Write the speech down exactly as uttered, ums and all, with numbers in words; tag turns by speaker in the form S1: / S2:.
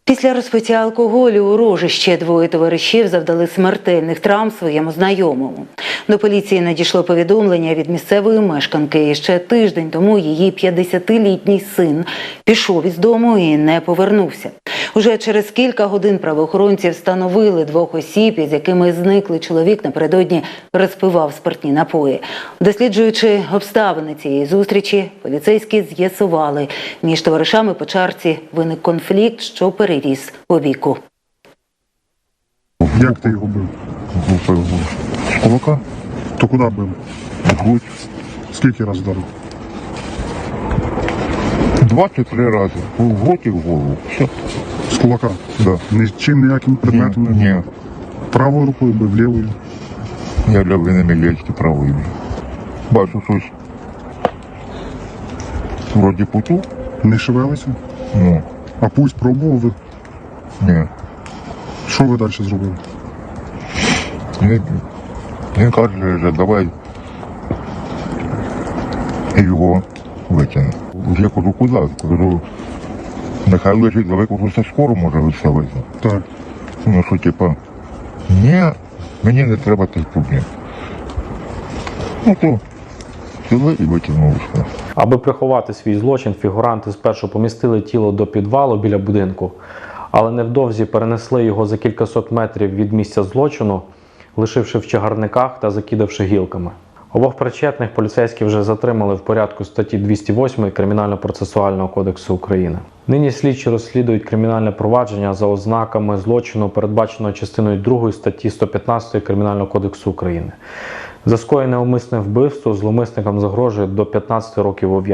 S1: Після розпиття алкоголю у Рожі ще двоє товаришів завдали смертельних травм своєму знайомому. До поліції надійшло повідомлення від місцевої мешканки. І ще тиждень тому її п'ятдесятилітній син пішов із дому і не повернувся. Уже через кілька годин правоохоронці встановили двох осіб, із якими зниклий чоловік напередодні розпивав спиртні напої. Досліджуючи обставини цієї зустрічі, поліцейські з'ясували, між товаришами по чарці виник конфлікт, що переріс у бійку.
S2: Як ти його бив?
S3: З кулака,
S2: То куди бив?
S3: в грудь.
S2: Скільки разів вдарив?
S3: двадцять три рази. В грудь і в голову. Все.
S2: З кулака?
S3: Да.
S2: Нічим ніяким предметом не бив?
S3: Ні.
S2: Правою рукою бив, лівою?
S3: Я для вини лечки правої. Бачу щось. Вроді путу.
S2: Не шевелися?
S3: Ну,
S2: А пусть пробував ви?
S3: ні.
S2: Що ви далі зробили?
S3: Він, він каже, давай його витягне. Я кажу, куди? Кажу, нехай лежить, давай, кажу, це скоро може виставити.
S2: Так.
S3: Ну, що, типа, ні, мені не треба тих проблем. Ну, то сюди і витягнув.
S4: Аби приховати свій злочин, фігуранти спершу помістили тіло до підвалу біля будинку, але невдовзі перенесли його за кількасот метрів від місця злочину, лишивши в чагарниках та закидавши гілками. Обох причетних поліцейські вже затримали в порядку статті двісті восьмої Кримінально-процесуального кодексу України. Нині слідчі розслідують кримінальне провадження за ознаками злочину, передбаченого частиною другої статті сто п'ятнадцять Кримінального кодексу України. За скоєне умисне вбивство зловмисникам загрожує до п'ятнадцяти років ув'язнення.